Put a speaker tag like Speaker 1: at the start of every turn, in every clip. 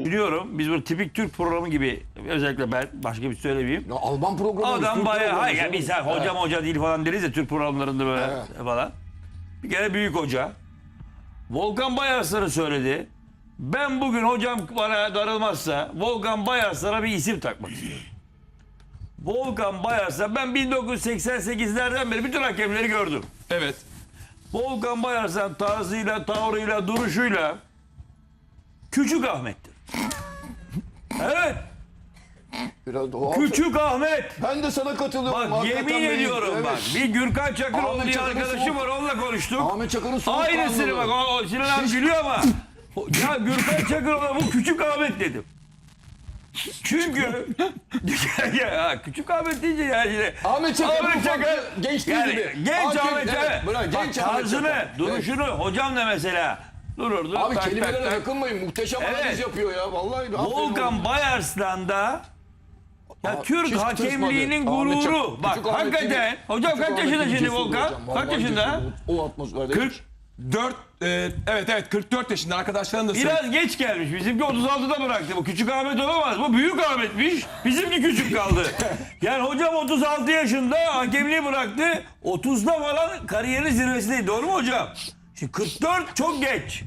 Speaker 1: biliyorum. Biz böyle tipik Türk programı gibi, özellikle ben başka bir söylemeyeyim.
Speaker 2: Ya Alman programı.
Speaker 1: Adam bayağı hayır ya
Speaker 2: canım.
Speaker 1: biz hocam hoca değil falan deriz ya Türk programlarında böyle falan. Bir kere büyük hoca Volkan Bayarslan'ı söyledi. Ben bugün hocam bana darılmazsa Volkan Bayarslan'a bir isim takmak istiyorum. Volkan Bayarslan, ben 1988'lerden beri bütün hakemleri gördüm.
Speaker 3: Evet.
Speaker 1: Volkan Bayarslan tarzıyla, tavrıyla, duruşuyla Küçük Ahmet'tir. Evet.
Speaker 2: Biraz doğal.
Speaker 1: Küçük Ahmet.
Speaker 2: Ben de sana katılıyorum.
Speaker 1: Bak
Speaker 2: Hakikaten
Speaker 1: yemin
Speaker 2: benim-
Speaker 1: ediyorum
Speaker 2: evet.
Speaker 1: bak. Bir Gürkan Çakıroğlu
Speaker 2: Ahmet
Speaker 1: diye
Speaker 2: Çakır'ın
Speaker 1: arkadaşım
Speaker 2: soğuk-
Speaker 1: var, onunla konuştuk.
Speaker 2: Ahmet Çakır'ın soğuk
Speaker 1: Aynısını bak
Speaker 2: kanlılığı.
Speaker 1: o Sinan abi gülüyor ama ya Gürkan Çakıroğlu'na bu Küçük Ahmet dedim. Çünkü ya, Küçük Ahmet deyince yani yine
Speaker 2: Ahmet Çakır farklı, gençliği
Speaker 1: yani
Speaker 2: gibi.
Speaker 1: genç
Speaker 2: Hakim,
Speaker 1: Ahmet
Speaker 2: evet,
Speaker 1: evet.
Speaker 2: bırak,
Speaker 1: Bak,
Speaker 2: genç Ahmet
Speaker 1: tarzını,
Speaker 2: Çakır.
Speaker 1: duruşunu hocam da mesela dururdu.
Speaker 2: Abi
Speaker 1: tak,
Speaker 2: kelimelere
Speaker 1: tak, tak.
Speaker 2: yakınmayın. Muhteşem
Speaker 1: Evet.
Speaker 2: analiz yapıyor ya. Vallahi. aferin
Speaker 1: Volkan
Speaker 2: oğlum.
Speaker 1: Bayarslan'da ya
Speaker 2: Aa,
Speaker 1: Türk
Speaker 2: hiç
Speaker 1: hakemliğinin
Speaker 2: tırsmadı. Ahmet
Speaker 1: gururu.
Speaker 2: Çakır-
Speaker 1: Bak
Speaker 2: Küçük Ahmet
Speaker 1: hakikaten.
Speaker 2: gibi-
Speaker 1: Hocam
Speaker 2: Küçük
Speaker 1: kaç
Speaker 2: Ahmet
Speaker 1: yaşında
Speaker 2: gibi
Speaker 1: şimdi
Speaker 2: cesur
Speaker 1: Volkan?
Speaker 2: hocam.
Speaker 1: Kaç
Speaker 2: Vallahi
Speaker 1: yaşında?
Speaker 2: cesur. O atmosferde.
Speaker 3: 44 evet 44 yaşında arkadaşlarım da söyledi.
Speaker 1: Biraz geç gelmiş. Bizimki 36'da bıraktı. Bu Küçük Ahmet olamaz. Bu Büyük Ahmet'miş. Bizimki küçük kaldı. Yani hocam 36 yaşında hakemliği bıraktı. 30'da falan kariyerin zirvesindeydi. Doğru mu hocam? Şimdi 44 çok geç.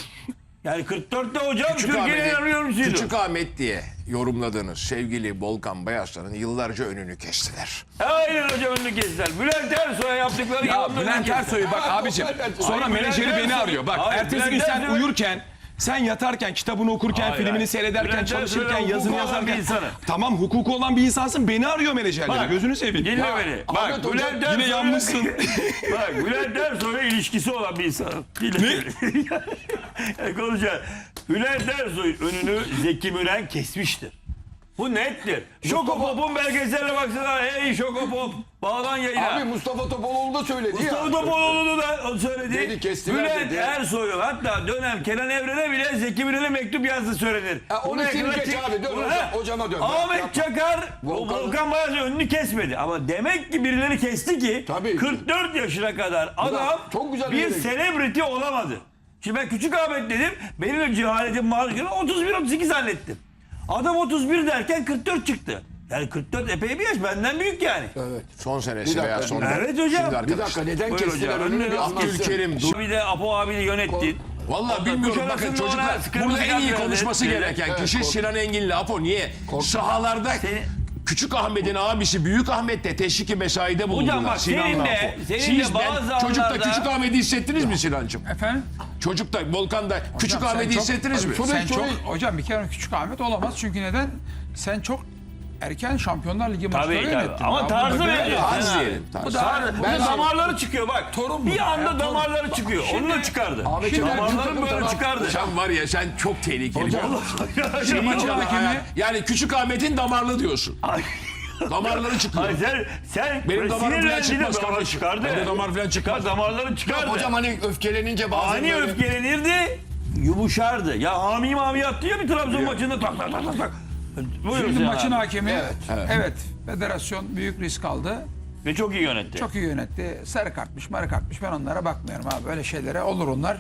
Speaker 1: Yani 44'te hocam Türkiye'nin en oyuncusuydu.
Speaker 4: Küçük Ahmet diye yorumladığınız sevgili Volkan Bayarslan'ın yıllarca önünü kestiler.
Speaker 1: Aynen hocam önünü kestiler. Bülent Ersoy'a yaptıkları
Speaker 3: Ya
Speaker 1: yalanlarını
Speaker 3: Bülent
Speaker 1: kestiler.
Speaker 3: Ersoy'u bak abicim. Sonra
Speaker 1: Hayır,
Speaker 3: menajeri
Speaker 1: Bülent
Speaker 3: beni
Speaker 1: Ersoy-
Speaker 3: arıyor. Bak
Speaker 1: Hayır,
Speaker 3: ertesi gün
Speaker 1: Bülent
Speaker 3: sen
Speaker 1: Ersoy-
Speaker 3: uyurken, sen yatarken, kitabını okurken,
Speaker 1: Hayır,
Speaker 3: filmini
Speaker 1: hayır.
Speaker 3: seyrederken,
Speaker 1: Bülent
Speaker 3: çalışırken,
Speaker 1: Ersoy
Speaker 3: yazını
Speaker 1: hukuku olan bir
Speaker 3: yazarken.
Speaker 1: insanı.
Speaker 3: Tamam hukuku olan bir insansın. Beni arıyor menajerleri.
Speaker 1: Bak,
Speaker 3: Gözünü seveyim.
Speaker 1: Dinle
Speaker 3: Ya,
Speaker 1: beni.
Speaker 2: Ahmet
Speaker 1: Bak
Speaker 2: hocam,
Speaker 1: Bülent
Speaker 3: yine
Speaker 1: Ersoy'la-
Speaker 3: yanmışsın.
Speaker 1: Bak Bülent Ersoy'la ilişkisi olan bir insan. Dinle beni. Yani konuşacağız. Bülent Ersoy'un önünü Zeki Müren kesmiştir. Bu nettir. Şokopop'un belgeseline baksana. Hey Şokopop. Bağlan yayına.
Speaker 2: Abi Mustafa Topaloğlu da söyledi ya.
Speaker 1: Mustafa Topaloğlu da o söyledi.
Speaker 2: Dedi, kestiler
Speaker 1: Bülent
Speaker 2: dedi.
Speaker 1: Ersoy'un hatta dönem Kenan Evren'e bile Zeki Müren'e mektup yazdı söylenir.
Speaker 2: Onu
Speaker 1: Bunu
Speaker 2: silin
Speaker 1: ekrana
Speaker 2: geç
Speaker 1: çek-
Speaker 2: abi, dön
Speaker 1: Bunu-
Speaker 2: hocam,
Speaker 1: Ha,
Speaker 2: hocama dön.
Speaker 1: Ahmet
Speaker 2: Yapma.
Speaker 1: Çakar
Speaker 2: Volkan-
Speaker 1: Volkan Bayar'ın önünü kesmedi. Ama demek ki birileri kesti ki
Speaker 2: Tabii ki.
Speaker 1: 44 yaşına kadar adam
Speaker 2: çok güzel bir
Speaker 1: bir
Speaker 2: yere gitti.
Speaker 1: celebrity olamadı. Şimdi ben Küçük Ahmet dedim. Benim de cehaletim maruz 31-38 hallettim. Adam 31 derken 44 çıktı. Yani 44 epey bir yaş. Benden büyük yani.
Speaker 2: Evet.
Speaker 4: Son
Speaker 2: Bir
Speaker 4: senesi
Speaker 2: dakika,
Speaker 4: veya son.
Speaker 1: Evet hocam.
Speaker 4: Şimdi
Speaker 2: Bir dakika
Speaker 4: arkadaşlar.
Speaker 2: neden
Speaker 1: Buyur
Speaker 2: kestiler
Speaker 1: hocam,
Speaker 2: önünü bir
Speaker 1: önüne
Speaker 2: anlatsın.
Speaker 4: Abdülkerim dur.
Speaker 1: Bir de Apo abiyle yönettin.
Speaker 4: Vallahi bilmiyorum bakın
Speaker 1: Kuşadası'nda
Speaker 4: çocuklar
Speaker 1: ona kırmızı
Speaker 4: burada en iyi
Speaker 1: kart
Speaker 4: konuşması
Speaker 1: verdi.
Speaker 4: gereken
Speaker 2: Evet,
Speaker 4: kişi
Speaker 2: kork-
Speaker 4: Sinan Engin'le Apo niye? Sahalarda
Speaker 1: Seni-
Speaker 4: Küçük Ahmet'in abisi Büyük Ahmet de teşviki mesaide bulundular.
Speaker 1: bak,
Speaker 4: Sinan'la
Speaker 1: senin de-
Speaker 4: Apo.
Speaker 1: senin de
Speaker 4: Siz
Speaker 1: bazı
Speaker 4: çocukta
Speaker 1: anlarda-
Speaker 4: Küçük Ahmet'i hissettiniz mi Sinancığım?
Speaker 5: Efendim?
Speaker 4: Çocukta Volkan'da Küçük
Speaker 5: sen
Speaker 4: Ahmet'i
Speaker 5: çok-
Speaker 4: hissettiniz mi?
Speaker 5: Sen çok,
Speaker 2: Şöyle-
Speaker 5: hocam bir kere Küçük Ahmet olamaz. Çünkü neden? Sen çok erken Şampiyonlar Ligi maçları
Speaker 1: Tabii
Speaker 5: yönettin.
Speaker 1: tabii. Ama
Speaker 5: Ya
Speaker 1: tarzı
Speaker 5: bunu
Speaker 1: belli.
Speaker 5: böyle-
Speaker 4: Tarz diyelim.
Speaker 5: Bu
Speaker 4: Tarz.
Speaker 5: da
Speaker 1: Bu da damarları çıkıyor bak.
Speaker 5: Torun
Speaker 1: bir
Speaker 5: bu
Speaker 1: anda
Speaker 5: ya, torun.
Speaker 1: damarları çıkıyor. Onu da çıkardı.
Speaker 2: Ahmet Çakar
Speaker 1: Damarların
Speaker 2: bir
Speaker 1: böyle
Speaker 2: takım
Speaker 1: çıkardı.
Speaker 4: Sen var ya sen çok tehlikeli. bir adamsın.
Speaker 1: Senin
Speaker 5: maçın
Speaker 4: Yani
Speaker 5: hakemi-
Speaker 4: Yani Küçük Ahmet'in damarlı diyorsun. Damarları çıkıyor.
Speaker 1: Ay sen
Speaker 4: Benim damarım falan
Speaker 1: sinirlendin de
Speaker 4: çıkmaz
Speaker 1: damarı
Speaker 4: kardeşim.
Speaker 1: çıkardı.
Speaker 4: Benim damar falan çıkmaz.
Speaker 1: Damarları çıkardı.
Speaker 2: Hocam hani öfkelenince bazen
Speaker 1: Ani
Speaker 2: böyle...
Speaker 1: öfkelenirdi, yumuşardı. Ya hami attı ya bir Trabzon maçında tak tak tak tak tak. Buyurun
Speaker 5: Şimdi
Speaker 1: Sinan
Speaker 5: maçın
Speaker 1: abi.
Speaker 5: hakemi evet. Federasyon büyük risk aldı.
Speaker 1: Ve çok iyi yönetti.
Speaker 5: Çok iyi yönetti. Sarı kartmış, marı kartmış. Ben onlara bakmıyorum abi. Böyle şeylere olur onlar.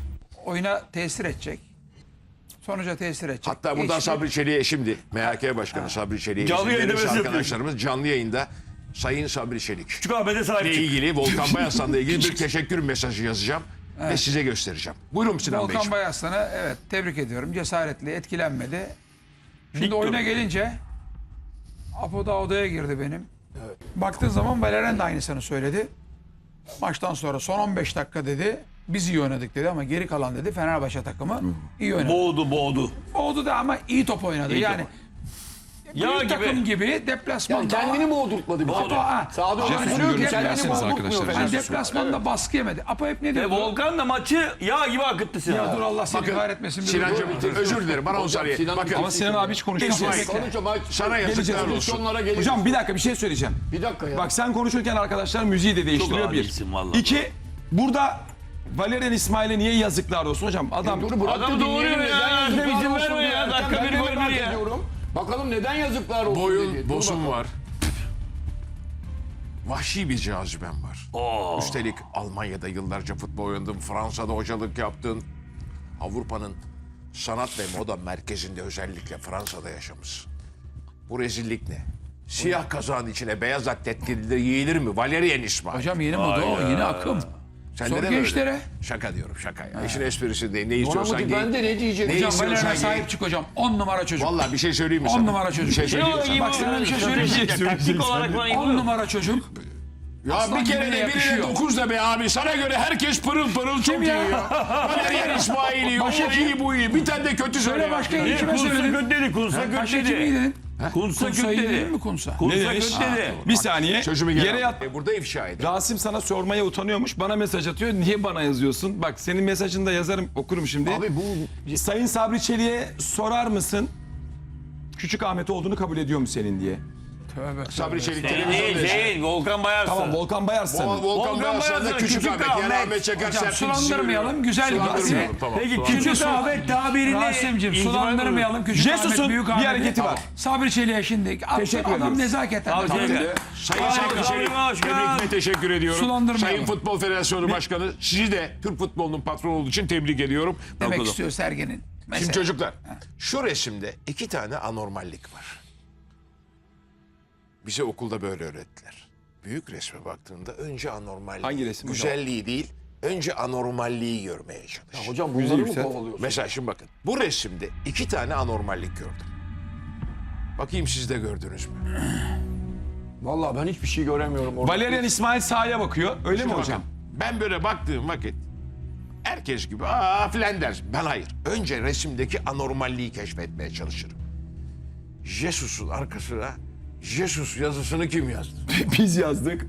Speaker 5: Oyuna tesir edecek. Sonuca tesir edecek.
Speaker 4: Hatta buradan
Speaker 5: Hiçbir-
Speaker 4: Sabri Çelik'e şimdi MHK Başkanı Sabri Çelik'e
Speaker 1: Canlı
Speaker 4: izin
Speaker 1: yayında
Speaker 4: verirse
Speaker 1: mesaj
Speaker 4: arkadaşlarımız canlı yayında Sayın Sabri Çelik
Speaker 1: Küçük Ahmet'e sahip
Speaker 4: ile
Speaker 1: çık.
Speaker 4: ilgili Volkan Bayarslan'la ilgili bir teşekkür mesajı yazacağım ve size göstereceğim. Buyurun Sinan
Speaker 5: Volkan
Speaker 4: Beyciğim.
Speaker 5: Bayaslan'ı evet tebrik ediyorum. Cesaretli, etkilenmedi. Şimdi
Speaker 1: Dik
Speaker 5: oyuna
Speaker 1: durdu.
Speaker 5: gelince Apo da odaya girdi benim. Baktığın zaman Valerian da aynısını söyledi. Maçtan sonra son 15 dakika dedi. Biz iyi oynadık dedi ama geri kalan dedi Fenerbahçe takımı iyi oynadı.
Speaker 1: Boğdu.
Speaker 5: Oldu da ama iyi top oynadı.
Speaker 1: İyi
Speaker 5: yani
Speaker 1: top. Yağ
Speaker 5: büyük
Speaker 1: gibi.
Speaker 5: takım gibi
Speaker 2: Yani
Speaker 5: deplasmanda
Speaker 2: kendini boğdurtmadı bir
Speaker 5: Apo,
Speaker 2: kere.
Speaker 5: ha,
Speaker 2: Sağda
Speaker 5: Apo
Speaker 2: öyle
Speaker 5: diyor
Speaker 2: söylüyor
Speaker 5: ki
Speaker 2: ki kendini
Speaker 3: Yersiniz
Speaker 2: boğdurtmuyor.
Speaker 3: arkadaşlar.
Speaker 5: yani
Speaker 2: Fenerbahçe.
Speaker 5: deplasmanda baskı yemedi. Apo hep ne
Speaker 1: Ve
Speaker 5: diyor?
Speaker 1: Volkan da maçı yağ gibi akıttı Sinan.
Speaker 5: Ya dur
Speaker 1: abi.
Speaker 5: Allah seni
Speaker 4: Bakın,
Speaker 5: kahretmesin. bir
Speaker 4: Sinancığım
Speaker 5: dur.
Speaker 4: özür dilerim bana o saniye.
Speaker 2: Sinan-
Speaker 4: Bakın
Speaker 3: Ama Sinan abi hiç konuşmadı.
Speaker 4: sana yazıklar olsun.
Speaker 2: Pozisyonlara gelir.
Speaker 3: Hocam bir dakika bir şey söyleyeceğim.
Speaker 2: Bir dakika ya.
Speaker 3: Bak sen konuşurken arkadaşlar müziği de değiştiriyor
Speaker 1: Çok
Speaker 3: bir.
Speaker 1: adisin vallahi.
Speaker 3: İki, burada Valerian İsmail'e niye yazıklar olsun hocam? Adam
Speaker 2: Dur bırak
Speaker 1: Adamı
Speaker 2: da dinleyelim,
Speaker 1: doğuruyor ya.
Speaker 2: neden
Speaker 1: Ertem
Speaker 2: yazıklar
Speaker 1: izin
Speaker 2: olsun
Speaker 1: vermiyor
Speaker 2: diye.
Speaker 1: ya.
Speaker 2: Ertem,
Speaker 1: Dakika
Speaker 2: ben
Speaker 1: bir
Speaker 2: de
Speaker 1: gol
Speaker 2: merak
Speaker 1: bir ya.
Speaker 2: ediyorum. Bakalım neden yazıklar olsun
Speaker 4: Boyun,
Speaker 2: dedi. Dur
Speaker 4: bosun
Speaker 2: bakalım.
Speaker 4: var. Vahşi bir cazibem var. Üstelik Almanya'da yıllarca futbol oynadın, Fransa'da hocalık yaptın. Avrupa'nın sanat ve moda merkezinde özellikle Fransa'da yaşamışsın. Bu rezillik ne? Siyah kazağın içine beyaz atlet giyilir mi? Valerian İsmail.
Speaker 5: Hocam yeni moda o, yeni akım.
Speaker 4: Sen
Speaker 5: Sor
Speaker 4: neden öyle?
Speaker 5: gençlere.
Speaker 4: Şaka diyorum şaka ya. İşin esprisi değil. Ne istiyorsan
Speaker 2: Donanım
Speaker 4: giy.
Speaker 2: ben de ne diyeceğim?
Speaker 4: Ne
Speaker 5: Hocam
Speaker 4: istiyorsan
Speaker 5: Valerian'a
Speaker 4: giy.
Speaker 5: sahip çık hocam. 10 numara çocuk.
Speaker 4: Vallahi bir şey söyleyeyim mi
Speaker 5: 10
Speaker 4: sana?
Speaker 5: numara çocuk.
Speaker 4: Bir şey söyleyeyim mi sana?
Speaker 5: Bak sana bir şey söyleyeyim.
Speaker 1: Taktik olarak bana
Speaker 5: 10 numara çocuk.
Speaker 4: Ya
Speaker 5: Aslan
Speaker 4: bir kere
Speaker 5: gibi
Speaker 4: de birine
Speaker 5: yakışıyor.
Speaker 4: 9 da be abi. Sana göre herkes pırıl pırıl çok iyi
Speaker 5: ya?
Speaker 4: ya. Valerian İsmail iyi, o
Speaker 5: Başka
Speaker 4: iyi bu iyi. Bir tane de kötü söyle.
Speaker 5: Söyle başka
Speaker 1: Niye?
Speaker 5: kime
Speaker 1: Kunsa
Speaker 5: söyledin?
Speaker 1: kötü dedi. Kunsa kötü
Speaker 5: Başka kimi
Speaker 1: dedi.
Speaker 5: dedin?
Speaker 1: Kunsa kötü
Speaker 5: Kunsa'yı dedin
Speaker 1: dedi.
Speaker 5: mi Kunsa?
Speaker 1: Kunsa
Speaker 3: Ne demiş?
Speaker 1: kötü dedi.
Speaker 3: Bir saniye.
Speaker 4: Sözümü geri
Speaker 3: Yere
Speaker 4: al.
Speaker 3: yat.
Speaker 4: Burada ifşa edin.
Speaker 3: Rasim sana sormaya utanıyormuş. Bana mesaj atıyor. Niye bana yazıyorsun? Bak senin mesajını da yazarım, okurum şimdi.
Speaker 2: Abi bu
Speaker 3: Sayın Sabri Çelik'e sorar mısın? Küçük Ahmet olduğunu kabul ediyor mu senin diye.
Speaker 5: Tövbe.
Speaker 4: Sabri Çelik
Speaker 1: Değil,
Speaker 4: televizyonda yaşıyor.
Speaker 1: değil. Volkan Bayarsın.
Speaker 3: Tamam Volkan Bayarsın.
Speaker 4: Volkan
Speaker 1: Volkan
Speaker 4: Bayarsan'da
Speaker 1: Bayarsan'da
Speaker 4: Küçük
Speaker 1: Küçük
Speaker 4: Ahmet. Yani
Speaker 1: Ahmet.
Speaker 4: Ahmet Çakar
Speaker 5: Hocam
Speaker 4: Serpil
Speaker 5: sulandırmayalım. Güzel bir
Speaker 4: Sulandırmayalım, tamam.
Speaker 1: Peki
Speaker 4: Tamam.
Speaker 1: Küçük Ahmet tabirini...
Speaker 5: Rasim'cim
Speaker 1: İcmal
Speaker 5: sulandırmayalım. Küçük
Speaker 3: Jesus'un
Speaker 5: Ahmet, Büyük
Speaker 3: bir
Speaker 5: Ahmet'i.
Speaker 3: hareketi var.
Speaker 5: Sabri Çelik'e şimdi.
Speaker 3: Teşekkür
Speaker 5: Adam
Speaker 3: ediyoruz.
Speaker 5: nezaketten.
Speaker 1: Abi,
Speaker 5: Tabii.
Speaker 1: Çelik.
Speaker 4: Sayın
Speaker 1: Harika,
Speaker 4: Sabri Çelik,
Speaker 1: başkan.
Speaker 4: tebrikle teşekkür ediyorum.
Speaker 5: Sulandırmayalım.
Speaker 4: Sayın Futbol Federasyonu Başkanı, sizi de Türk futbolunun patronu olduğu için tebrik ediyorum.
Speaker 5: Demek
Speaker 1: Okudum.
Speaker 5: istiyor Sergen'in.
Speaker 4: Şimdi
Speaker 5: Mesela.
Speaker 4: çocuklar, şu resimde 2 tane anormallik var. Bize okulda böyle öğrettiler. Büyük resme baktığında önce anormalliği,
Speaker 3: Hangi resim hocam?
Speaker 4: güzelliği değil, önce anormalliği görmeye çalış.
Speaker 2: hocam bunları mı
Speaker 3: yüksel.
Speaker 2: kovalıyorsun?
Speaker 4: Mesela şimdi bakın, bu resimde 2 tane anormallik gördüm. Bakayım siz de gördünüz mü?
Speaker 2: Vallahi ben hiçbir şey göremiyorum orada.
Speaker 3: Valerian İsmail sahaya bakıyor. Öyle mi
Speaker 4: Şimdi
Speaker 3: hocam?
Speaker 4: bakın, ben böyle baktığım vakit herkes gibi filan der. Ben hayır. Önce resimdeki anormalliği keşfetmeye çalışırım. Jesus'un arkasına Jesus yazısını kim yazdı?
Speaker 3: Biz yazdık.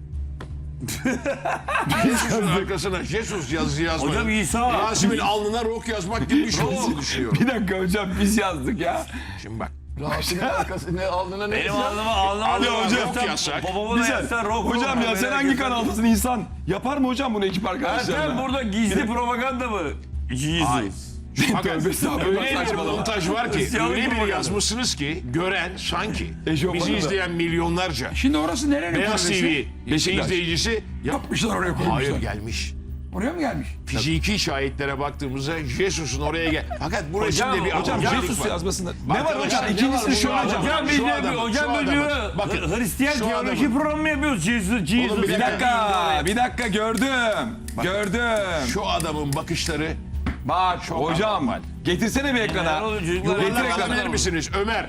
Speaker 4: Jesus'un arkasına Jesus yazısı yazmadı.
Speaker 1: Hocam İsa.
Speaker 4: Rasim'in alnına rok yazmak gibi bir şey olduğunu düşünüyorum.
Speaker 3: Bir dakika hocam biz yazdık ya.
Speaker 4: Şimdi bak.
Speaker 2: Rasim'in arkası ne alnına ne
Speaker 1: Benim
Speaker 2: yazıyor?
Speaker 1: alnıma
Speaker 4: Alnıma
Speaker 1: hocam.
Speaker 4: rok yazsak.
Speaker 1: Babamı da yazsan rok.
Speaker 3: Hocam ya sen hangi kanaldasın insan? Yapar mı hocam bunu ekip
Speaker 1: Sen
Speaker 3: arkadaşlarına?
Speaker 1: burada gizli propaganda mı? Jesus.
Speaker 4: Fakat
Speaker 3: Tövbe estağfurullah,
Speaker 4: öyle bir
Speaker 3: saçmalama.
Speaker 4: montaj var ki,
Speaker 1: Hristiyanlık
Speaker 4: öyle bir
Speaker 1: propaganda.
Speaker 4: yazmışsınız ki gören sanki
Speaker 3: Eşofmanı
Speaker 4: bizi
Speaker 3: da.
Speaker 4: izleyen milyonlarca
Speaker 5: Şimdi orası nerenin
Speaker 4: Beyaz
Speaker 5: kulübesi?
Speaker 4: TV
Speaker 3: Beşiktaş.
Speaker 4: izleyicisi
Speaker 5: Yapmışlar oraya koymuşlar.
Speaker 4: hayır gelmiş.
Speaker 5: Oraya mı gelmiş?
Speaker 4: Fiziki şahitlere baktığımızda Jesus'un oraya gel. Fakat bu
Speaker 1: Hocam,
Speaker 4: resimde bir
Speaker 3: Hocam
Speaker 4: anormallik
Speaker 3: Jesus
Speaker 4: var.
Speaker 3: yazmasında. Ne var
Speaker 4: Arkadaşlar,
Speaker 3: hocam?
Speaker 4: ne
Speaker 3: İkincisini
Speaker 4: var
Speaker 3: şöyle
Speaker 4: bunlar?
Speaker 3: hocam.
Speaker 1: Hocam biz
Speaker 4: Şu
Speaker 1: de
Speaker 4: adamın,
Speaker 1: hocam
Speaker 4: şu
Speaker 1: biz
Speaker 4: adamın.
Speaker 1: de
Speaker 4: Bakın,
Speaker 1: Hristiyan
Speaker 4: şu
Speaker 1: teoloji
Speaker 4: adamın.
Speaker 1: programı mı yapıyoruz? Jesus.
Speaker 4: Oğlum,
Speaker 3: Bir dakika gördüm. Gördüm.
Speaker 4: Şu adamın bakışları
Speaker 3: Bak hocam getirsene bir ekrana.
Speaker 1: Neler oluyor çocuklar?
Speaker 3: Getir
Speaker 1: Yuvarlak
Speaker 3: ekrana.
Speaker 4: alabilir misiniz Ömer?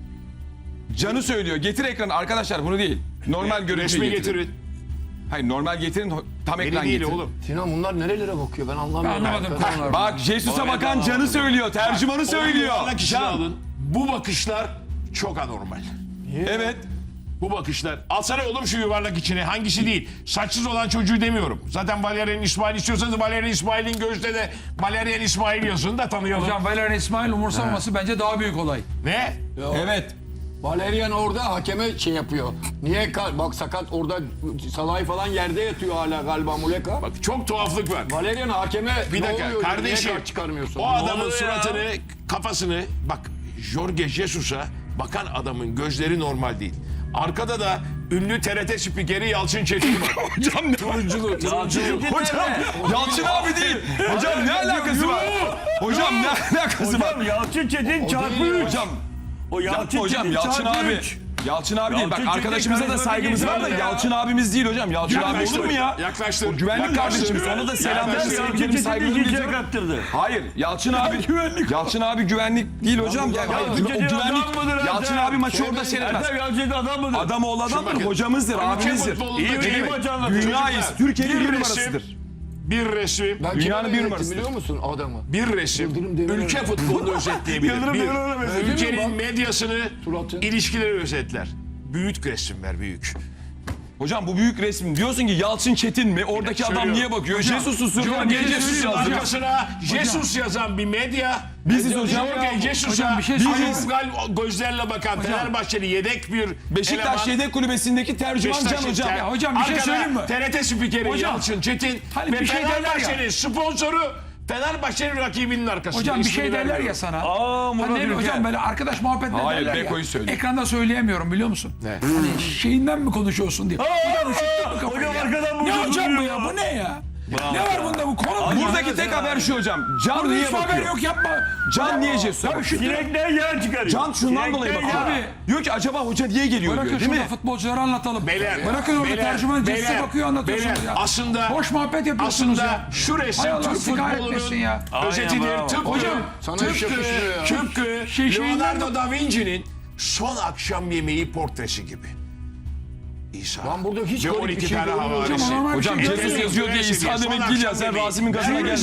Speaker 3: Canı söylüyor. Getir ekranı arkadaşlar bunu değil. Normal görüntüyü
Speaker 4: Resmi
Speaker 3: getirin.
Speaker 4: getirin.
Speaker 3: Hayır normal getirin tam
Speaker 4: Beni
Speaker 3: ekran
Speaker 4: değil
Speaker 3: getirin.
Speaker 4: oğlum.
Speaker 2: Sinan bunlar nerelere bakıyor ben anlamıyorum.
Speaker 5: Anlamadım konuları.
Speaker 3: Bak Jesus'a bakan canı söylüyor. Tercümanı söylüyor.
Speaker 4: Yuvarlak işini
Speaker 3: Can.
Speaker 4: alın. Bu bakışlar çok anormal.
Speaker 3: Evet.
Speaker 4: Bu bakışlar. Alsana oğlum şu yuvarlak içine. Hangisi değil? Saçsız olan çocuğu demiyorum. Zaten Valerian İsmail istiyorsanız Valerian İsmail'in gözde de Valerian İsmail yazın da tanıyalım.
Speaker 5: Hocam Valerian İsmail umursamaması bence daha büyük olay.
Speaker 4: Ne?
Speaker 3: Evet.
Speaker 2: Valerian orada hakeme şey yapıyor. Niye bak sakat orada Salah'ı falan yerde yatıyor hala galiba Muleka.
Speaker 4: Bak çok tuhaflık var.
Speaker 2: Valerian hakeme
Speaker 4: Bir
Speaker 2: ne
Speaker 4: dakika
Speaker 2: oluyor?
Speaker 4: kardeşim.
Speaker 2: Niye kart çıkarmıyorsun?
Speaker 4: O adamın
Speaker 1: oluyor ya?
Speaker 4: suratını, kafasını bak Jorge Jesus'a bakan adamın gözleri normal değil. Arkada da ünlü TRT spikeri Yalçın Çetin var.
Speaker 3: Hocam ne?
Speaker 4: Turunculu.
Speaker 3: Hocam Yalçın abi değil. Hocam ne alakası var? Hocam ne alakası var?
Speaker 1: Hocam Yalçın Çetin çarpı 3.
Speaker 3: Hocam
Speaker 1: O Yalçın
Speaker 3: hocam
Speaker 1: Çetin
Speaker 3: Yalçın
Speaker 1: çarpı
Speaker 3: abi.
Speaker 1: 3.
Speaker 3: Yalçın abi değil. Bak
Speaker 1: Yalçın Çetin
Speaker 3: arkadaşımıza da
Speaker 1: karizmatik
Speaker 3: saygımız var da
Speaker 1: insan ya.
Speaker 3: Yalçın abimiz değil hocam. Yalçın abi olur mu ya?
Speaker 4: Yaklaştır.
Speaker 3: O güvenlik
Speaker 4: Yaklaştır.
Speaker 3: kardeşimiz. Ona da selamlarımı,
Speaker 1: Yalçın
Speaker 3: sevgilerimi,
Speaker 1: Çetin
Speaker 3: saygılarımı
Speaker 1: ikinciye
Speaker 3: iletiyorum.
Speaker 1: kaptırdı.
Speaker 3: Hayır Yalçın abi Yalçın abi güvenlik değil hocam. Ya, hayır,
Speaker 1: Yalçın
Speaker 3: o
Speaker 1: Çetin
Speaker 3: güvenlik
Speaker 1: adam mıdır
Speaker 3: Yalçın
Speaker 1: Ertem?
Speaker 3: abi maçı orada seyretmez.
Speaker 1: Ertem Yalçın Çetin adam mıdır?
Speaker 3: Adam oğlu adamdır,
Speaker 4: bakın,
Speaker 3: hocamızdır,
Speaker 4: ülke
Speaker 3: abimizdir.
Speaker 4: futbolunda
Speaker 1: İyi
Speaker 4: ne demek?
Speaker 1: maç anlatıyor.
Speaker 3: Dünyayız. Türkiye'nin
Speaker 4: Bir
Speaker 3: bir
Speaker 4: resim-
Speaker 3: numarasıdır.
Speaker 4: Bir resim,
Speaker 2: Ben
Speaker 3: Dünyanın
Speaker 2: kime
Speaker 3: bir
Speaker 2: öğrettim
Speaker 3: numarasıdır.
Speaker 2: biliyor musun adamı?
Speaker 4: bir resim
Speaker 2: Yıldırım Demirören.
Speaker 4: ülke futbolunu özetleyebilir.
Speaker 1: Yıldırım
Speaker 4: Bir,
Speaker 1: Demirören mesela.
Speaker 4: ülkenin
Speaker 2: Bak.
Speaker 4: medyasını,
Speaker 2: Suratı.
Speaker 4: ilişkileri özetler. Büyük resimler büyük.
Speaker 3: Hocam bu büyük resim. Diyorsun ki Yalçın Çetin mi? Oradaki adam
Speaker 4: söylüyorum.
Speaker 3: niye bakıyor? Jesus'u sırtına niye Jesus
Speaker 4: Jesus'un
Speaker 3: yazdı?
Speaker 4: arkasına Jesus yazan bir medya.
Speaker 3: Biziz hocam.
Speaker 4: Jorge Jesus'a
Speaker 5: Hocam bir şey söyleyeyim.
Speaker 4: Anormal gözlerle bakan Fenerbahçeli yedek bir
Speaker 3: Beşiktaş
Speaker 4: eleman.
Speaker 3: Yedek Kulübesi'ndeki tercüman Can
Speaker 4: Beşiktaş
Speaker 3: hocam.
Speaker 5: Ya hocam bir şey
Speaker 4: Arkada
Speaker 5: söyleyeyim mi?
Speaker 4: TRT spikeri
Speaker 5: Hocam,
Speaker 4: Yalçın Çetin
Speaker 5: hani
Speaker 4: ve
Speaker 5: bir şey derler ya.
Speaker 4: Fenerbahçe'nin sponsoru Fenerbahçe'nin rakibinin arkasında.
Speaker 5: Hocam bir
Speaker 4: İsmini
Speaker 5: şey derler
Speaker 4: vermiyorum.
Speaker 5: ya sana.
Speaker 1: Aa, Murat
Speaker 5: Hani
Speaker 1: Ülker.
Speaker 5: hocam böyle arkadaş muhabbetler
Speaker 3: Hayır,
Speaker 5: derler ya.
Speaker 3: Beko'yu söylüyor.
Speaker 5: Ekranda söyleyemiyorum biliyor musun? Ne? Hani şeyinden mi konuşuyorsun diye. Hocam üşüttün mü kafayı
Speaker 1: Hocam
Speaker 5: ya?
Speaker 1: arkadan bu
Speaker 5: Ne
Speaker 1: hocam
Speaker 5: hocam bu
Speaker 1: duruyor
Speaker 5: ya?
Speaker 1: ya.
Speaker 5: Bu ne ya? Ne var bunda bu konu?
Speaker 3: Buradaki tek haber şu hocam. Can
Speaker 5: Burada
Speaker 3: niye
Speaker 5: hiç haber
Speaker 3: bakıyor?
Speaker 5: yok yapma.
Speaker 3: Can niye Jesus'a bakıyor?
Speaker 1: Sinekler yağ çıkarıyor.
Speaker 3: Can şundan dolayı
Speaker 1: Sinekler
Speaker 3: bakıyor.
Speaker 1: yağ.
Speaker 3: Diyor ki acaba hoca niye geliyor
Speaker 5: Bırakın
Speaker 3: diyor değil
Speaker 5: şurada
Speaker 3: mi?
Speaker 5: futbolcuları anlatalım.
Speaker 4: Beyler,
Speaker 5: Bırakın orada
Speaker 4: beyler,
Speaker 5: tercüman Jesus'a
Speaker 4: beyler,
Speaker 5: bakıyor anlatıyorsunuz
Speaker 4: beyler,
Speaker 5: ya.
Speaker 4: aslında-
Speaker 5: Boş muhabbet yapıyorsunuz
Speaker 4: Aslında
Speaker 5: ya.
Speaker 4: şu resim
Speaker 5: Hay Allah,
Speaker 4: Türk
Speaker 5: sikaret
Speaker 4: futbolunun
Speaker 5: etsin ya.
Speaker 4: özetidir.
Speaker 1: Aynen,
Speaker 4: Tıpkı,
Speaker 5: Hocam,
Speaker 2: sana
Speaker 4: tıpkı,
Speaker 2: iş yakışmıyor ya.
Speaker 4: tıpkı
Speaker 5: Şeyinden-
Speaker 4: Leonardo da Vinci'nin son akşam yemeği portresi gibi. İsa.
Speaker 2: Lan burada hiç
Speaker 4: ve
Speaker 2: garip
Speaker 4: 12
Speaker 2: bir şey
Speaker 4: tane
Speaker 2: görmüyorum
Speaker 4: havarisi.
Speaker 5: hocam, ama
Speaker 3: Hocam
Speaker 5: bir şey
Speaker 3: Jesus
Speaker 5: yok.
Speaker 3: yazıyor diye İsa
Speaker 4: Son
Speaker 3: demek değil ya.
Speaker 4: akşam
Speaker 3: Sen
Speaker 4: yemeği.
Speaker 3: Rasim'in gazına gelme.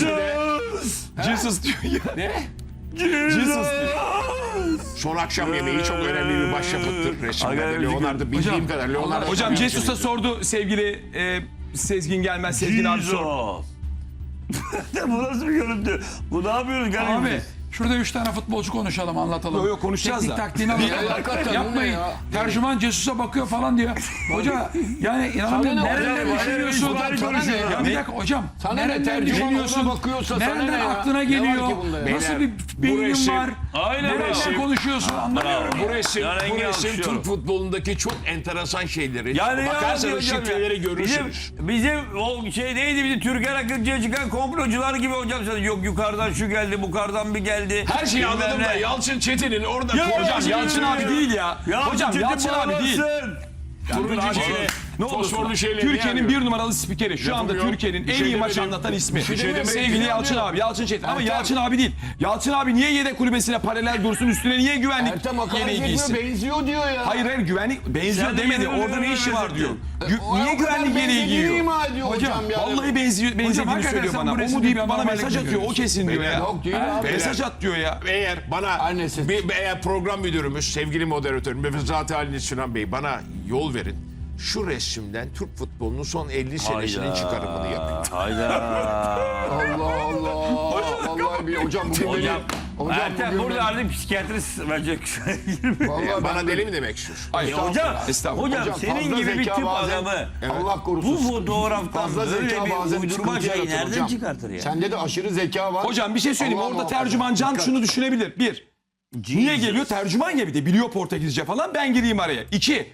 Speaker 3: Jesus diyor ya.
Speaker 4: Ne?
Speaker 3: Jesus diyor.
Speaker 4: Son akşam yemeği çok önemli bir başyapıttır resimlerde.
Speaker 1: Aga,
Speaker 4: Leonardo bildiğim kadar Leonardo da
Speaker 3: Hocam
Speaker 4: Vinci.
Speaker 3: Jesus'a sordu sevgili Sezgin Gelmez. Sezgin abi sordu.
Speaker 1: Jesus. Bu nasıl bir görüntü? Bu ne yapıyoruz garip?
Speaker 5: Abi şurada 3 tane futbolcu konuşalım anlatalım.
Speaker 3: Yok, yok, konuşacağız
Speaker 5: Teknik
Speaker 3: da.
Speaker 5: taktiğini
Speaker 2: hakikaten
Speaker 5: anlatalım.
Speaker 2: bu ne
Speaker 5: Yapmayın.
Speaker 2: ya?
Speaker 5: Tercüman Jesus'a bakıyor falan diyor. Hoca yani inanamıyorum.
Speaker 2: Sana ne
Speaker 5: Nereden
Speaker 2: hocam?
Speaker 5: düşünüyorsun?
Speaker 2: Hocam, sana ne ya?
Speaker 5: Ya bir dakika hocam.
Speaker 2: Sana ne?
Speaker 5: Nereden
Speaker 2: Tercüman
Speaker 5: düşünüyorsun?
Speaker 2: ona bakıyorsa sana
Speaker 5: Nereden
Speaker 2: ne ya?
Speaker 5: aklına
Speaker 2: Ne var
Speaker 5: geliyor?
Speaker 2: ki bunda ya?
Speaker 5: Nasıl
Speaker 4: Beyler,
Speaker 5: bir beynin
Speaker 4: resim-
Speaker 5: var?
Speaker 1: Aynen öyle.
Speaker 5: Nereden konuşuyorsun anlamıyorum.
Speaker 4: Bu resim,
Speaker 1: Ya rengi
Speaker 4: bu resim
Speaker 1: alkışlıyorum.
Speaker 4: Türk futbolundaki çok enteresan şeyleri.
Speaker 1: Yani
Speaker 4: Bakarsanız
Speaker 1: hocam ya.
Speaker 4: şifreleri görürsünüz.
Speaker 1: Bizim o şey neydi bizim Türker Akıncı'ya çıkan komplocular gibi hocam sen yok yukarıdan şu geldi bukardan bir geldi.
Speaker 4: Her şeyi
Speaker 1: Bilmem
Speaker 4: anladım da
Speaker 1: ne.
Speaker 4: Yalçın Çetin'in orada
Speaker 3: Hocam Yalçın abi değil ya.
Speaker 1: Ya
Speaker 3: Hocam
Speaker 1: Çetin
Speaker 3: Yalçın abi değil.
Speaker 1: bağlansın.
Speaker 4: turuncu şeyle,
Speaker 3: Ne
Speaker 4: fosforlu
Speaker 3: olursun.
Speaker 4: şeyle
Speaker 3: Türkiye'nin bir numaralı spikeri. Şu anda
Speaker 4: Yapamıyor.
Speaker 3: Türkiye'nin
Speaker 4: Bir
Speaker 3: en
Speaker 4: şey
Speaker 3: iyi maç
Speaker 4: demedim.
Speaker 3: anlatan ismi.
Speaker 4: Bir şey demedim.
Speaker 3: Sevgili Yalçın abi. Yalçın Çetin. Ama
Speaker 2: Ertem.
Speaker 3: Yalçın abi değil. Yalçın abi niye yedek kulübesine paralel dursun? Üstüne niye güvenlik
Speaker 2: Ertem hakaret
Speaker 3: yeleği
Speaker 2: etmiyor,
Speaker 3: giysin?
Speaker 2: benziyor diyor ya.
Speaker 3: Hayır hayır güvenlik benziyor
Speaker 1: Sen de
Speaker 3: demedi.
Speaker 1: yürü,
Speaker 3: Orada ne işi var diyor. Niye
Speaker 2: O kadar
Speaker 3: güvenlik yeleği
Speaker 2: benzediğini
Speaker 3: giyiyor?
Speaker 2: ima ediyor hocam ya.
Speaker 3: Vallahi benzediğini
Speaker 5: hakikaten
Speaker 3: söylüyor
Speaker 5: sen
Speaker 3: bana.
Speaker 5: bu
Speaker 3: O mu
Speaker 5: resmi
Speaker 3: deyip
Speaker 5: bir
Speaker 3: bana
Speaker 5: anormallik
Speaker 3: mesaj atıyor. O
Speaker 5: görüyorsun.
Speaker 3: kesin diyor ya.
Speaker 2: Yok değil abi.
Speaker 3: Mesaj at diyor ya.
Speaker 4: Eğer bana
Speaker 2: Annesi.
Speaker 4: eğer program müdürümüz, sevgili moderatörüm Müfezzat Ali Sinan Bey bana yol verin. Şu resimden Türk futbolunun son 50 senesinin çıkarımını yapayım.
Speaker 1: Hayda.
Speaker 2: Allah Allah. Vallahi bir hocam bugün
Speaker 1: Hocam,
Speaker 2: beni...
Speaker 1: Ertem
Speaker 2: bugün
Speaker 1: burada
Speaker 2: beni-
Speaker 1: artık psikiyatrist verecek.
Speaker 2: Vallahi
Speaker 4: Bana
Speaker 2: ben-
Speaker 4: deli mi demek istiyorsun?
Speaker 3: Hayır.
Speaker 1: Hocam,
Speaker 3: Estağfurullah.
Speaker 1: hocam senin
Speaker 2: fazla
Speaker 1: gibi bir
Speaker 2: zeka
Speaker 1: tip
Speaker 2: bazen-
Speaker 1: adamı
Speaker 2: Allah korusun.
Speaker 1: bu fotoğraftan
Speaker 2: Fazla
Speaker 1: böyle
Speaker 2: zeka
Speaker 1: bir
Speaker 2: bazen
Speaker 1: uydurma
Speaker 2: sıkıntı
Speaker 1: şeyi
Speaker 2: yaratır
Speaker 1: nereden
Speaker 2: hocam.
Speaker 1: çıkartır ya?
Speaker 2: Sende de aşırı zeka var.
Speaker 3: Hocam bir şey söyleyeyim.
Speaker 2: Allah
Speaker 3: Orada
Speaker 2: muhafaza.
Speaker 3: tercüman Can
Speaker 2: Dikkat.
Speaker 3: şunu düşünebilir. Bir, niye geliyor? Tercüman ya bir de biliyor Portekizce falan. Ben gireyim araya. İki,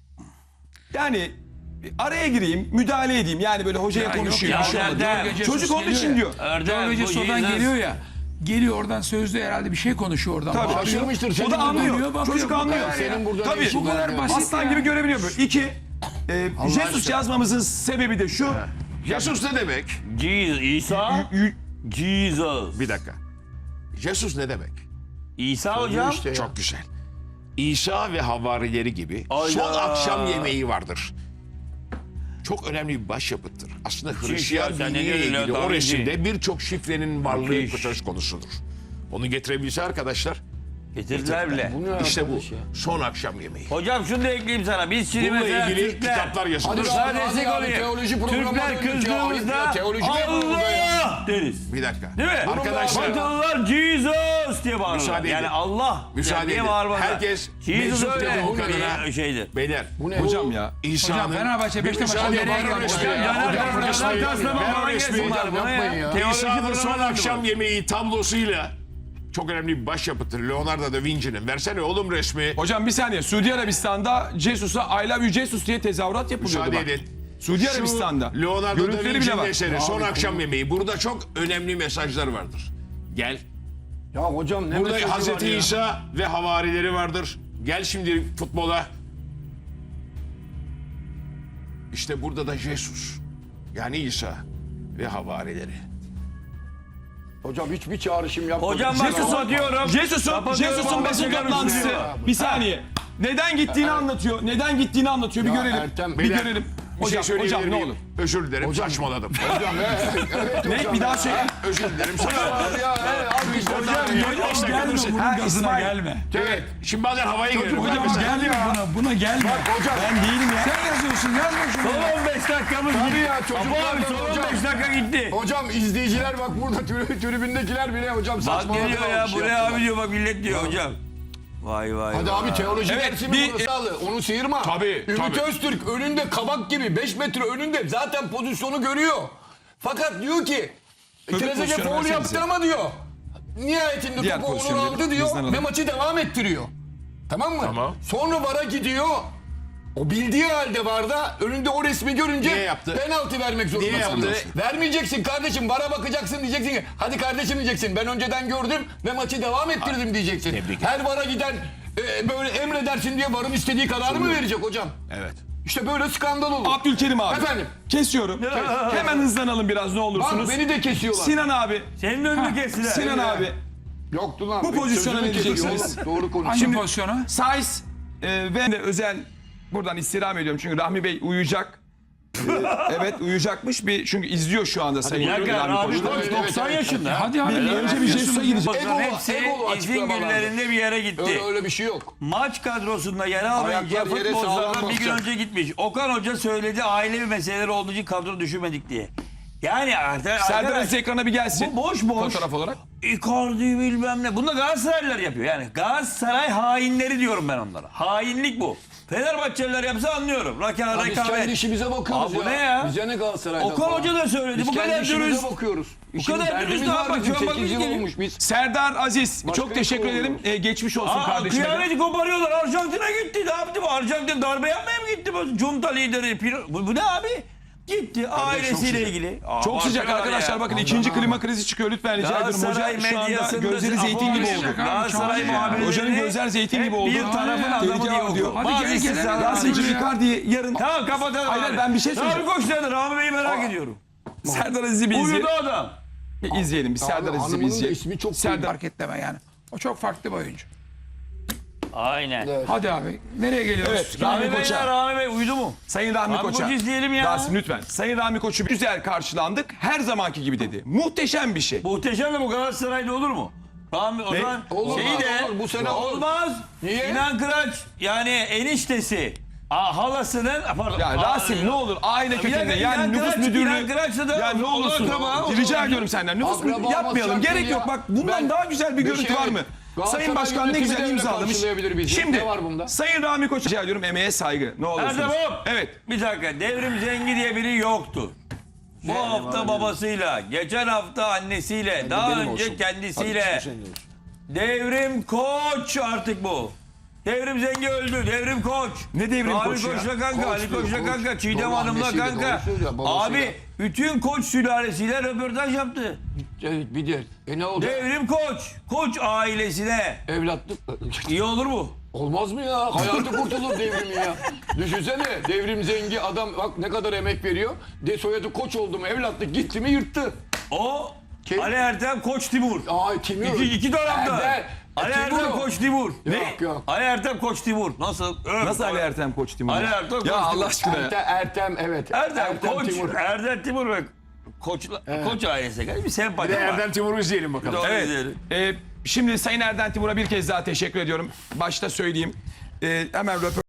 Speaker 3: yani araya gireyim, müdahale edeyim. Yani böyle hocaya
Speaker 5: Ya
Speaker 3: konuşuyor.
Speaker 1: yok
Speaker 3: bir şey
Speaker 1: ya,
Speaker 3: olmadı.
Speaker 1: Erdem.
Speaker 5: Jesus
Speaker 3: Çocuk onun
Speaker 5: geliyor
Speaker 3: için
Speaker 5: ya.
Speaker 3: diyor.
Speaker 1: Erdem,
Speaker 5: Jorge
Speaker 1: bu
Speaker 5: Jesus'dan
Speaker 1: Jesus-
Speaker 5: geliyor ya. Geliyor oradan sözde herhalde bir şey konuşuyor oradan.
Speaker 3: Tabii.
Speaker 5: Bakıyor.
Speaker 2: Şaşırmıştır.
Speaker 3: O
Speaker 2: senin
Speaker 3: da
Speaker 2: burada-
Speaker 3: anlıyor.
Speaker 5: bakıyor,
Speaker 3: Çocuk
Speaker 5: bu
Speaker 3: anlıyor.
Speaker 5: kadar ya.
Speaker 2: Senin burada
Speaker 3: Tabii.
Speaker 2: ne işin
Speaker 5: Bu kadar
Speaker 2: var ya?
Speaker 5: basit.
Speaker 3: Aslan
Speaker 5: ya.
Speaker 3: gibi görebiliyor böyle. İki, Jesus yazmamızın sebebi de şu.
Speaker 4: Jesus ne demek?
Speaker 1: Jesus, İsa, Jesus.
Speaker 4: Bir dakika. Jesus ne demek?
Speaker 1: İsa hocam.
Speaker 2: İşte ya.
Speaker 4: Çok güzel. İsa ve havarileri gibi
Speaker 1: Ayda.
Speaker 4: son akşam yemeği vardır. Çok önemli bir başyapıttır. Aslında Hristiyan
Speaker 1: ya, sen ne
Speaker 4: diniyle
Speaker 1: diyorsun
Speaker 4: ilgili
Speaker 1: ya,
Speaker 4: o
Speaker 1: tabii
Speaker 4: resimde birçok şifrenin varlığı
Speaker 1: Müthiş.
Speaker 4: söz konusudur. Onu getirebilse arkadaşlar
Speaker 1: Getirdiler bile.
Speaker 2: Bu ne
Speaker 4: işte bu
Speaker 2: arkadaş ya?
Speaker 4: son akşam yemeği.
Speaker 1: Hocam şunu da ekleyeyim sana. Biz şimdi
Speaker 4: Bununla
Speaker 1: mesela
Speaker 4: ilgili
Speaker 1: Türkler,
Speaker 4: kitaplar yazılır.
Speaker 2: Hadi
Speaker 1: Sana
Speaker 2: Hadi
Speaker 1: destek
Speaker 2: abi,
Speaker 1: olayım.
Speaker 2: teoloji programına
Speaker 1: Türkler
Speaker 2: döndük ya.
Speaker 1: kızdığımızda
Speaker 2: Ya, teoloji mi yapalım burada ya?
Speaker 1: Allah deriz.
Speaker 4: Bir dakika.
Speaker 1: Değil mi?
Speaker 4: Arkadaşlar
Speaker 1: Batılılar Jesus diye bağırırlar.
Speaker 4: Müsaade
Speaker 1: Yani
Speaker 4: edin.
Speaker 1: Allah
Speaker 4: Müsaade
Speaker 1: diye
Speaker 4: edin.
Speaker 1: bağırmazlar.
Speaker 4: Herkes
Speaker 1: Jesus
Speaker 4: meczup
Speaker 1: öyle
Speaker 4: dediği kadına-
Speaker 1: bir şeydir.
Speaker 4: beyler
Speaker 2: Bu ne?
Speaker 3: Hocam ya.
Speaker 4: İsa'nın
Speaker 5: Hocam Fenerbahçe Beşiktaş
Speaker 4: müsaade
Speaker 5: nereye
Speaker 4: edin.
Speaker 5: gidiyor?
Speaker 4: Resmi-
Speaker 2: Ya,
Speaker 1: Caner
Speaker 2: hocam,
Speaker 1: Caner
Speaker 2: resmi-
Speaker 1: Taslama
Speaker 4: ver
Speaker 1: bana
Speaker 4: resmi.
Speaker 1: gelsin bunlar.
Speaker 2: Hocam,
Speaker 1: Buna
Speaker 2: yapmayın
Speaker 1: ya.
Speaker 2: ya.
Speaker 1: Teoloji
Speaker 4: İsa'nın son
Speaker 1: programı
Speaker 4: akşam
Speaker 1: bu.
Speaker 4: yemeği tablosuyla çok önemli bir başyapıttır. Leonardo da Vinci'nin. Versene oğlum resmi.
Speaker 3: Hocam bir saniye. Suudi Arabistan'da Jesus'a I love you Jesus diye tezahürat yapılıyordu
Speaker 4: Müsaade
Speaker 3: bak.
Speaker 4: edin.
Speaker 3: Suudi
Speaker 4: Şu
Speaker 3: Arabistan'da.
Speaker 4: Leonardo da
Speaker 3: Görüntüleri bile
Speaker 4: Vinci'nin
Speaker 3: var.
Speaker 4: eseri.
Speaker 2: Ya
Speaker 4: Son
Speaker 2: abi,
Speaker 4: akşam yemeği. Burada çok önemli mesajlar vardır. Gel.
Speaker 2: Ya hocam ne
Speaker 4: Burada
Speaker 2: mesajı var
Speaker 4: Hazreti
Speaker 2: ya?
Speaker 4: İsa ve havarileri vardır. Gel şimdi futbola. İşte burada da Jesus. Yani İsa ve havarileri.
Speaker 2: Hocam hiçbir çağrışım yapmadım.
Speaker 1: Hocam bak kapatıyorum.
Speaker 3: Jesus'un
Speaker 1: Kapatıyorum,
Speaker 3: basın
Speaker 1: Ahmet
Speaker 3: toplantısı.
Speaker 1: Çakar
Speaker 3: Bir saniye. Neden gittiğini anlatıyor. Neden gittiğini anlatıyor. Bir
Speaker 2: Ya
Speaker 3: görelim.
Speaker 2: Ertem,
Speaker 3: bir
Speaker 4: Beyler,
Speaker 3: görelim.
Speaker 4: Bir şey
Speaker 3: Hocam,
Speaker 4: söyleyebilir
Speaker 3: hocam ne
Speaker 4: miyim?
Speaker 3: olur.
Speaker 4: Özür dilerim saçmaladım.
Speaker 2: Hocam evet
Speaker 3: Ne?
Speaker 2: hocam
Speaker 3: Bir daha
Speaker 2: ya.
Speaker 3: söyle.
Speaker 4: Özür dilerim.
Speaker 2: Abi ya abi işte
Speaker 1: Hocam,
Speaker 2: hocam
Speaker 5: Gelme bunun
Speaker 3: Ha,
Speaker 5: gazına
Speaker 3: İsmail.
Speaker 5: gelme.
Speaker 4: Evet. Şimdi bazen havaya girelim.
Speaker 5: Hocam
Speaker 4: Mesela-
Speaker 5: gelme buna gelme.
Speaker 2: hocam.
Speaker 3: Ben değilim ya.
Speaker 5: Sen yazıyorsun yazma şunu.
Speaker 1: Son 15 dakikamız
Speaker 2: Tabii
Speaker 1: gitti.
Speaker 2: ya,
Speaker 1: Apo
Speaker 2: çocuklar
Speaker 1: abi
Speaker 2: da
Speaker 1: son
Speaker 2: hocam.
Speaker 1: 15 dakika gitti.
Speaker 2: Hocam izleyiciler bak burada tribündekiler bile hocam
Speaker 1: Bak
Speaker 2: saçmaladı.
Speaker 1: geliyor ya
Speaker 2: almış
Speaker 1: buraya
Speaker 2: yaptılar.
Speaker 1: abi diyor bak millet diyor hocam. Vay vay
Speaker 2: Hadi
Speaker 1: vay.
Speaker 2: abi teoloji
Speaker 3: Evet,
Speaker 2: dersi mi
Speaker 3: bir-
Speaker 2: burası alı? Onu sıyırma.
Speaker 4: Tabii,
Speaker 2: Ümit
Speaker 4: tabii.
Speaker 2: Öztürk önünde kabak gibi 5 metre önünde zaten pozisyonu görüyor. Fakat diyor ki Trezeguet
Speaker 3: pozisyonu
Speaker 2: faul
Speaker 3: versenize.
Speaker 2: yaptı ama diyor. Nihayetinde
Speaker 3: Diğer
Speaker 2: topu Onur
Speaker 3: pozisyonu
Speaker 2: aldı
Speaker 3: verin,
Speaker 2: diyor
Speaker 3: hızlanalım.
Speaker 2: ve maçı devam ettiriyor. Tamam mı?
Speaker 4: Tamam.
Speaker 2: Sonra VAR'a gidiyor. O bildiği halde var da önünde o resmi görünce
Speaker 4: Niye yaptı?
Speaker 2: penaltı vermek zorundasın.
Speaker 4: yaptı?
Speaker 2: Vermeyeceksin kardeşim, vara bakacaksın, diyeceksin ki hadi kardeşim diyeceksin, ben önceden gördüm ve maçı devam ettirdim diyeceksin.
Speaker 4: Tebrik
Speaker 2: Her vara giden böyle emredersin diye varın istediği kararı mı verecek hocam?
Speaker 4: Evet.
Speaker 2: İşte böyle skandal olur.
Speaker 3: Abdülkerim abi.
Speaker 2: Efendim?
Speaker 3: Kesiyorum. Hemen hızlanalım biraz ne
Speaker 2: Bak
Speaker 3: olursunuz.
Speaker 2: beni de kesiyorlar.
Speaker 3: Sinan abi.
Speaker 1: Senin önünü kestiler.
Speaker 3: Sinan abi.
Speaker 2: Yoktu lan.
Speaker 3: Bu pozisyona
Speaker 2: Sözümü
Speaker 3: ne diyeceksiniz?
Speaker 2: kesiyor oğlum. Doğru konuş.
Speaker 5: Hangi pozisyona?
Speaker 3: Saiz ve de özel buradan istirham ediyorum çünkü Rahmi Bey uyuyacak. Evet uyuyacakmış çünkü izliyor şu anda Sayın
Speaker 1: Bir dakika
Speaker 3: Rahmi
Speaker 1: abi
Speaker 3: Koç'ta.
Speaker 1: Koç
Speaker 2: Evet,
Speaker 1: 90
Speaker 2: evet,
Speaker 1: yaşında.
Speaker 5: Hadi abi.
Speaker 3: Önce bir Jesus'a gidecek.
Speaker 1: Bunların
Speaker 2: Egolu,
Speaker 1: hepsi
Speaker 2: egolu
Speaker 1: izin
Speaker 2: açıklamalar.
Speaker 1: günlerinde bir yere gitti.
Speaker 2: Öyle bir şey yok.
Speaker 1: Maç kadrosunda yer almayınca
Speaker 2: Ayaklar yere
Speaker 1: futbolculardan
Speaker 2: sağlam
Speaker 1: bir gün
Speaker 2: basacak.
Speaker 1: önce gitmiş. Okan Hoca söyledi ailevi meseleleri olduğu için kadro düşürmedik diye. Yani
Speaker 3: Serdar
Speaker 1: arkadaş
Speaker 3: Aziz ekrana bir gelsin.
Speaker 1: bu boş boş.
Speaker 3: Fotoğraf olarak.
Speaker 1: Icardi bilmem ne. Bunu da Galatasaraylılar yapıyor. Yani Galatasaray hainleri diyorum ben onlara. Hainlik bu. Fenerbahçeliler yapsa anlıyorum.
Speaker 2: Ya biz kendi
Speaker 1: Rekabet.
Speaker 2: işimize bakıyoruz
Speaker 1: Abi bu ne ya?
Speaker 2: Bize ne Galatasaray'dan
Speaker 1: Okan
Speaker 2: falan.
Speaker 1: Hoca da söyledi.
Speaker 2: Biz
Speaker 1: Bu
Speaker 2: kendi
Speaker 1: kadar
Speaker 2: işimize
Speaker 1: dürüst.
Speaker 2: bakıyoruz.
Speaker 1: kadar dürüst
Speaker 2: derdimiz
Speaker 1: ne
Speaker 2: var
Speaker 1: yapmak?
Speaker 2: bizim.
Speaker 1: Şu an bak
Speaker 2: 8 yıl
Speaker 1: ülkenin-
Speaker 2: olmuş biz.
Speaker 3: Serdar Aziz
Speaker 2: Başka
Speaker 3: çok teşekkür
Speaker 2: yok.
Speaker 3: ederim. Geçmiş olsun kardeşime.
Speaker 1: Kıyameti koparıyorlar. Arjantin'e gitti. Ne yaptı bu? Arjantin darbe yapmaya mı gitti bu? Junta lideri. Bu ne abi? Gitti ailesiyle
Speaker 2: sıcak.
Speaker 1: ilgili.
Speaker 3: Çok sıcak
Speaker 1: bakıyorlar
Speaker 3: arkadaşlar
Speaker 1: ya.
Speaker 3: bakın ikinci klima krizi çıkıyor lütfen rica ediyorum.
Speaker 1: Galatasaray
Speaker 3: Hoca şu anda
Speaker 1: medyasında
Speaker 3: gözleri zeytin gibi oldu.
Speaker 1: Galatasaray muhabirleri.
Speaker 3: Hocanın gözler zeytin gibi oldu.
Speaker 1: Bir tarafın adamı
Speaker 3: Tehlike
Speaker 1: diye
Speaker 3: var diyor.
Speaker 1: okuyor.
Speaker 5: Hadi
Speaker 1: Bazı
Speaker 5: gel, gel,
Speaker 1: istisnalar
Speaker 5: gel.
Speaker 1: var.
Speaker 3: Yasin'cim Icardi'yi yarın
Speaker 1: Tamam kapatalım
Speaker 3: Hayır,
Speaker 1: abi.
Speaker 3: ben bir şey söyleyeceğim.
Speaker 1: Rami Koç nerede? Rami Bey'i merak ediyorum.
Speaker 3: Serdar Aziz'i bir izleyelim.
Speaker 1: Uyudu adam.
Speaker 3: Bir izleyelim. Bir Serdar Aziz'i bir
Speaker 2: hanımının da
Speaker 3: izleyelim.
Speaker 2: ismi çok
Speaker 3: Serdar
Speaker 5: Fark etleme yani. O çok farklı bir oyuncu.
Speaker 1: Aynen.
Speaker 5: Hadi abi. Nereye geliyoruz?
Speaker 3: Evet,
Speaker 1: Rami
Speaker 3: Rahmi
Speaker 1: Bey
Speaker 3: Koç'a.
Speaker 1: Rami Bey uyudu mu?
Speaker 3: Sayın Rahmi
Speaker 1: Rami
Speaker 3: Koç'a.
Speaker 1: Koç'u izleyelim ya.
Speaker 3: Rasim lütfen. Sayın Rahmi Koç'u güzel karşılandık. Her zamanki gibi dedi. Muhteşem bir şey.
Speaker 1: Muhteşem de bu Galatasaray'da olur mu? Rami o
Speaker 3: Ne?
Speaker 1: zaman
Speaker 2: Olur,
Speaker 1: şeyi de
Speaker 2: olur, bu sene olur.
Speaker 1: olmaz.
Speaker 2: Niye?
Speaker 1: İnan Kıraç yani eniştesi halasının pardon.
Speaker 3: Ya Rasim ne olur aile kökeninde yani nüfus müdürlüğü.
Speaker 1: İnan Kıraç'la da
Speaker 3: Ya ne olursun rica ediyorum senden nüfus
Speaker 2: Akraba
Speaker 3: müdürlüğü yapmayalım
Speaker 2: olmaz,
Speaker 3: gerek
Speaker 2: ya.
Speaker 3: yok bak bundan
Speaker 2: Ben-
Speaker 3: daha güzel bir görüntü
Speaker 2: şey-
Speaker 3: var mı?
Speaker 2: Galatasaray
Speaker 3: Sayın Başkan ne
Speaker 2: yönetimi
Speaker 3: güzel
Speaker 2: de öyle
Speaker 3: imzalamış.
Speaker 2: karşılayabilir bizi.
Speaker 3: Şimdi
Speaker 2: Ne var bunda?
Speaker 3: Sayın Rahmi Koç rica ediyorum emeğe saygı ne olursunuz.
Speaker 1: Erdem hop.
Speaker 3: Evet.
Speaker 1: Bir dakika Devrim Zengi diye biri yoktu. Bu hafta babasıyla, geçen hafta annesiyle, daha
Speaker 2: benim
Speaker 1: önce
Speaker 2: olsun.
Speaker 1: kendisiyle. Devrim Koç artık bu. Devrim Zengi öldü. Devrim Koç.
Speaker 3: Ne Devrim
Speaker 1: Ali
Speaker 3: Koç ya?
Speaker 1: Koç'la kanka, Ali
Speaker 2: Koç
Speaker 1: Koç'la
Speaker 2: diyor,
Speaker 1: kanka,
Speaker 2: Koç.
Speaker 1: Çiğdem
Speaker 2: Doğru,
Speaker 1: Hanım'la
Speaker 2: annesiyle,
Speaker 1: kanka.
Speaker 2: doğru söylüyor, babasıyla.
Speaker 1: Abi bütün Koç sülalesiyle röportaj yaptı.
Speaker 2: Evet, bir de. Ne oldu?
Speaker 1: Devrim Koç. Koç ailesine.
Speaker 2: Evlatlık.
Speaker 1: İyi olur mu?
Speaker 2: Olmaz mı ya? Hayatı kurtulur devrimin ya. Düşünsene devrim zengi adam bak ne kadar emek veriyor. Soyadı Koç oldu mu evlatlık gitti mi yırttı.
Speaker 1: O
Speaker 2: Kim?
Speaker 1: Ali Ertem Koç Timur.
Speaker 2: Aa kimi?
Speaker 1: İki dönemde.
Speaker 2: Erdem.
Speaker 1: Ali
Speaker 2: Timur
Speaker 1: Ertem
Speaker 2: o.
Speaker 1: Koç Timur.
Speaker 2: Yok yok.
Speaker 1: Ali Ertem Koç Timur. Nasıl?
Speaker 3: Nasıl Ali Ertem Koç Timur?
Speaker 1: Ali Ertem Koç
Speaker 3: Ya
Speaker 1: Timur.
Speaker 3: Allah aşkına ya.
Speaker 2: Ertem evet.
Speaker 1: Erdem Koç.
Speaker 2: Timur.
Speaker 1: Erdem Timur ve Koç ailesine karşı bir sempati var.
Speaker 4: Erdem Timur'u izleyelim bakalım.
Speaker 1: Doğru
Speaker 3: Evet.
Speaker 1: izleyelim.
Speaker 3: Şimdi Sayın Erdem Timur'a bir kez daha teşekkür ediyorum. Başta söyleyeyim. Hemen röportaj